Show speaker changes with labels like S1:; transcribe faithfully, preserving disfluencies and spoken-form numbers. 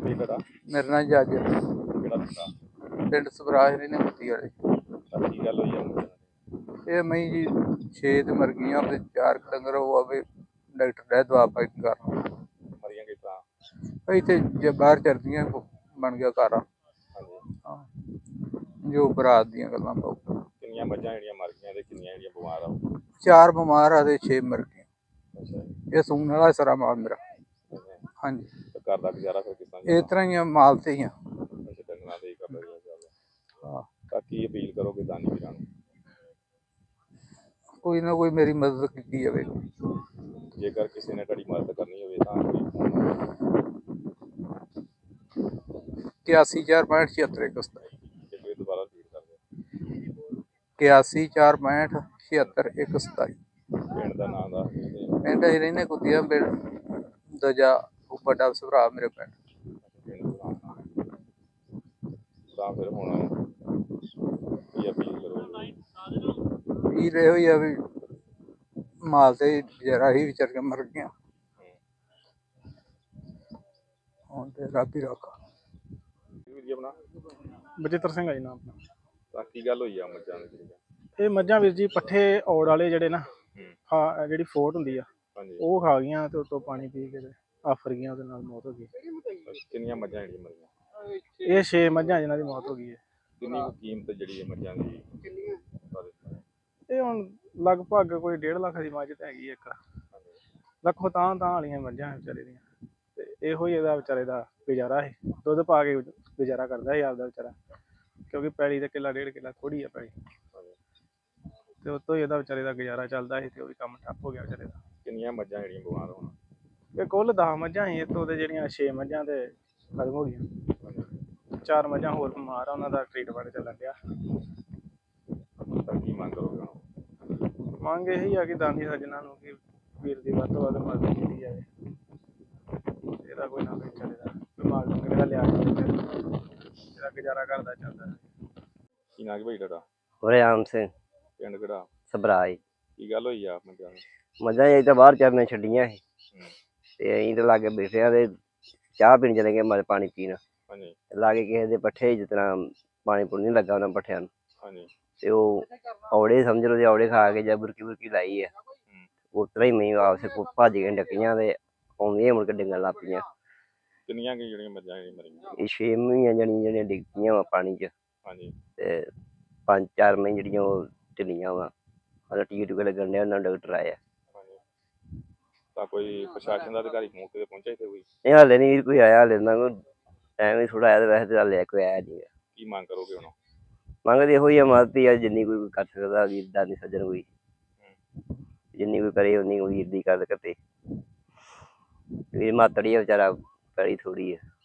S1: ਕੀ ਤੁਹਾਡਾ?
S2: मेरा नाम जज
S1: ਕਿਹੜਾ ਪਿੰਡ ਆ?
S2: पिंड सवराज ने मुक्ति वाले
S1: ਤਾਂ ਕੀ ਗੱਲ ਹੋਈ ਆ ਮੁੰਡੇ ਨਾਲ?
S2: ये मई जी छे ते मर गई ते चार क डंगर हुआ भी डॉक्टर ने दवा पाई कर
S1: ਮਰੀਆਂ ਕਿਸ ਤਰ੍ਹਾਂ?
S2: इतने जे बाहर चलदियां बन गया घर
S1: ਹਾਂਜੀ।
S2: हाँ जो बरात दियां गल्लां बहुत
S1: ਕਿੰਨੀਆਂ ਮੱਝਾਂ ਜਿਹੜੀਆਂ ਮਰ ਗਈਆਂ ਤੇ ਕਿੰਨੀਆਂ ਜਿਹੜੀਆਂ ਬਿਮਾਰ ਆ?
S2: चार बीमार आ ते छे मर गए
S1: ਅੱਛਾ ਜੀ।
S2: ये सून वाला सारा माल मेरा
S1: ਅੱਛਾ।
S2: हाँ जी
S1: ਤੇ ਘਰ ਦਾ ਗੁਜ਼ਾਰਾ ਫਿਰ ਕਿਸ ਤਰ੍ਹਾਂ
S2: इस
S1: ਚੱਲਦਾ?
S2: तरह ही आ, माल से ही आ।
S1: ਅੱਛਾ, ਡੰਗਰਾਂ ਤੇ ਹੀ ਕਰਦਾ ਰਿਹਾ ਚੱਲਦਾ।
S2: हाँ
S1: ਤਾਂ ਕੀ ਅਪੀਲ ਕਰੋਗੇ ਦਾਨੀ ਵੀਰਾਂ ਨੂੰ?
S2: कोई ना कोई मेरी मदद की जाए।
S1: ਜੇਕਰ ਕਿਸੇ ਨੇ ਤੁਹਾਡੀ ਮਦਦ ਕਰਨੀ ਹੋਵੇ ਤਾਂ ਕੋਈ ਫੋਨ ਨੰਬਰ
S2: इक्यासी चार पैंठ छिहत्तर एक सताई
S1: ਜੇ ਕੋਈ ਦੁਬਾਰਾ ਰਿਪੀਟ ਕਰ ਦਿਓ।
S2: इक्यासी चार पैंठ छिहत्तर एक सताई
S1: ਪਿੰਡ ਦਾ ਨਾਮ ਦੱਸ ਦਿਓ ਤੇ
S2: पिंड अं रही कुतिया पिंड दजा बड़ा भरा मेरे पिंड
S1: ਪਿੰਡ ਦਾ ਨਾਮ। ਤਾਂ ਫਿਰ ਹੁਣ ਕੀ ਅਪੀਲ ਕਰੋਗੇ?
S2: पी रहे हुई अभी माल से जरा ही विचर के मर गया ਹੁਣ ਤੇ ਰੱਬ ਹੀ ਰੱਖਾ।
S1: ਵੀਰ ਜੀ ਆਪਣਾ?
S3: ਬਚਿੱਤਰ ਸਿੰਘ ਆ ਜੀ ਨਾਮ ਆਪਣਾ।
S1: ਤਾਂ ਕੀ ਗੱਲ ਹੋਈ ਆ ਮੱਝਾਂ ਦੀ ਜਿਹੜੀਆਂ?
S3: ਇਹ ਮੱਝਾਂ ਵੀਰ ਜੀ ਪੱਠੇ ਔੜ ਵਾਲੇ ਜਿਹੜੇ ਨਾ
S1: ਹੂੰ।
S3: ਖਾ ਜਿਹੜੀ ਫੋਟ ਹੁੰਦੀ ਆ
S1: ਹਾਂਜੀ।
S3: ਉਹ ਖਾ ਗਈਆਂ ਤੇ ਉਤੋਂ ਪਾਣੀ ਪੀ ਕੇ ਤੇ ਆਫਰ ਗਈਆਂ, ਉਹਦੇ ਨਾਲ ਮੌਤ ਹੋ ਗਈ।
S1: ਕਿੰਨੀਆਂ ਮੱਝਾਂ ਜਿਹੜੀਆਂ ਮਰੀਆਂ?
S3: ਇਹ ਛੇ ਮੱਝਾਂ ਜਿਨ੍ਹਾਂ ਦੀ ਮੌਤ ਹੋ ਗਈ ਹੈ।
S1: ਕਿੰਨੀ ਕੁ ਕੀਮਤ ਜਿਹੜੀ ਹੈ ਮੱਝਾਂ ਦੀ?
S3: ਇਹ ਹੁਣ ਲਗਭਗ ਕੋਈ ਡੇਢ ਲੱਖ ਦੀ ਮੱਝ ਤਾਂ ਹੈਗੀ ਇੱਕ ਲੱਖੋਂ ਤਾਂ ਤਾਂ ਵਾਲੀਆਂ ਮੱਝਾਂ ਵਿਚਾਰੇ ਦੀਆਂ। ਤੇ ਇਹੋ ਹੀ ਇਹਦਾ ਵਿਚਾਰੇ ਦਾ ਗੁਜ਼ਾਰਾ ਹੈ, ਦੁੱਧ ਪਾ ਕੇ ਗੁਜ਼ਾਰਾ ਕਰਦਾ ਸੀ ਆਪਦਾ ਵਿਚਾਰਾ, ਕਿਉਂਕਿ ਪੈਲੀ ਦਾ ਕਿੱਲਾ ਡੇਢ ਕਿੱਲਾ ਥੋੜੀ ਆ ਪੈਲੀ, ਤੇ ਉਤੋਂ ਹੀ ਇਹਦਾ ਵਿਚਾਰੇ ਦਾ ਗੁਜ਼ਾਰਾ ਚੱਲਦਾ ਸੀ ਤੇ ਉਹ ਵੀ ਕੰਮ ਠੱਪ ਹੋ ਗਿਆ ਵਿਚਾਰੇ ਦਾ।
S1: ਕਿੰਨੀਆਂ ਮੱਝਾਂ ਜਿਹੜੀਆਂ ਬਿਮਾਰ ਹੋਣ?
S3: ਇਹ ਕੁੱਲ ਦਸ ਮੱਝਾਂ ਸੀ, ਇੱਥੋਂ ਦੇ ਜਿਹੜੀਆਂ ਛੇ ਮੱਝਾਂ ਤੇ ਖਤਮ ਹੋ ਗਈਆਂ। ਚਾਰ ਮੱਝਾਂ ਹੋਰ ਬਿਮਾਰ ਆ, ਉਹਨਾਂ ਦਾ ਟ੍ਰੀਟਮੈਂਟ ਚੱਲਣ ਡਿਆ।
S1: ਤਾਂ ਕੀ ਮੰਗ ਕਰੋਗੇ ਹੁਣ?
S3: ਮੰਗ ਇਹੀ ਆ ਕਿ ਦਾਨੀ ਸੱਜਣਾ ਨੂੰ ਕਿ ਵੀਰ ਦੀ ਵੱਧ ਤੋਂ ਵੱਧ ਮਦਦ ਕੀਤੀ ਜਾਵੇ। ਇਹਦਾ ਕੋਈ ਨਾ ਕੋਈ ਵਿਚਾਰੇ ਦਾ ਦਿਮਾਗ ਡੰਗਰ ਦਾ ਲਿਆ ਜਾਵੇ, ਇਹਦਾ ਗੁਜ਼ਾਰਾ ਕਰਦਾ ਚੱਲਦਾ।
S1: ਕੀ ਨਾਂ ਕੀ ਭਾਈ ਤੁਹਾਡਾ?
S4: ਵਰਿਆਮ ਸਿੰਘ
S1: ਪਿੰਡ ਕਿਹੜਾ?
S4: ਸਬਰਾਈ।
S1: ਕੀ ਗੱਲ ਹੋਈ ਆ ਮੱਝਾਂ ਨੂੰ?
S4: ਮੱਝਾਂ ਅਸੀਂ ਤਾਂ ਬਾਹਰ ਚਰਨੇ ਛੱਡੀਆਂ ਸੀ
S1: ਹੂੰ।
S4: ਤੇ ਅਸੀਂ ਤਾਂ ਲਾਗੇ ਬੈਠੇ ਆ ਤੇ ਚਾਹ ਪੀਣ ਚਲੇ ਗਏ, ਮਲ ਪਾਣੀ ਪੀਣ
S1: ਹਾਂਜੀ।
S4: ਲਾਗੇ ਕਿਸੇ ਦੇ ਪੱਠੇ ਜਿਸ ਤਰ੍ਹਾਂ ਪਾਣੀ ਪੂਣੀ ਨਹੀਂ ਲੱਗਾ ਉਹਨਾਂ ਪੱਠਿਆਂ ਨੂੰ,
S1: ਹਾਂਜੀ।
S4: ਤੇ ਉਹ ਔੜੇ ਸਮਝ ਲਓ, ਜੇ ਔੜੇ ਖਾ ਕੇ ਜਾਂ ਬੁਰਕੀ ਬੁਰਕੀ ਲਾਈ ਆ, ਉਸ ਤਰ੍ਹਾਂ ਹੀ ਮੈਂ ਆਪਸੇ ਭੱਜ ਕੇ ਡੱਕੀਆਂ ਤੇ ਆਉਂਦੀਆਂ ਮੁੜ ਕੇ ਡਿੱਗਣ ਲੱਗ ਪਈਆਂ।
S1: ਕਿੰਨੀਆਂ ਕੀ ਜਿਹੜੀਆਂ ਮੱਝਾਂ ਜਿਹੜੀਆਂ ਮਰੀਆਂ?
S4: ਇਹ ਛੇ ਮਹੀਆਂ ਜਾਣੀ ਜਿਹੜੀਆਂ ਡਿੱਗ ਪਈਆਂ ਵਾ ਪਾਣੀ 'ਚ,
S1: ਹਾਂਜੀ।
S4: ਤੇ ਪੰਜ ਚਾਰ ਮਹੀਨੇ ਜਿਹੜੀਆਂ ਉਹ ਢਿੱਲੀਆਂ ਵਾ, ਉਹਨਾਂ ਟੀਕੇ ਟੂਕੇ ਲੱਗਣ ਡਿਆ, ਉਹਨਾਂ ਡਾਕਟਰ ਆਏ ਆ।
S1: ਹਾਂਜੀ। ਤਾਂ ਕੋਈ ਪ੍ਰਸ਼ਾਸਨ ਦਾ ਅਧਿਕਾਰੀ ਮੌਕੇ ਤੇ ਪਹੁੰਚਿਆ ਇੱਥੇ ਕੋਈ?
S4: ਇਹ ਹਾਲੇ ਨਹੀਂ ਕੋਈ ਆਇਆ, ਹਾਲੇ ਨਾ ਕੋਈ ਟਾਈਮ ਹੀ ਥੋੜਾ ਆਇਆ, ਤੇ ਵੈਸੇ ਤਾਂ ਹਾਲੇ ਕੋਈ ਆਇਆ ਨਹੀਂ।
S1: ਕੀ ਮੰਗ ਕਰੋਗੇ ਹੁਣ?
S4: ਮੰਗਦੇ ਇਹੋ ਹੀ ਆ, ਮਦਦ ਹੀ ਆ ਜਿੰਨੀ ਕੋਈ ਕਰ ਸਕਦਾ ਵੀਰ ਦਾਨੀ ਸੱਜਣ, ਕੋਈ ਜਿੰਨੀ ਕੋਈ ਕਰੇ ਉਨੀ ਵੀਰ ਦੀ ਗੱਲ ਕਰਦੇ। ਵੀਰ ਮਾਤੜੀ ਆ ਵਿਚਾਰਾ, ਪੈਲੀ ਥੋੜੀ ਆ।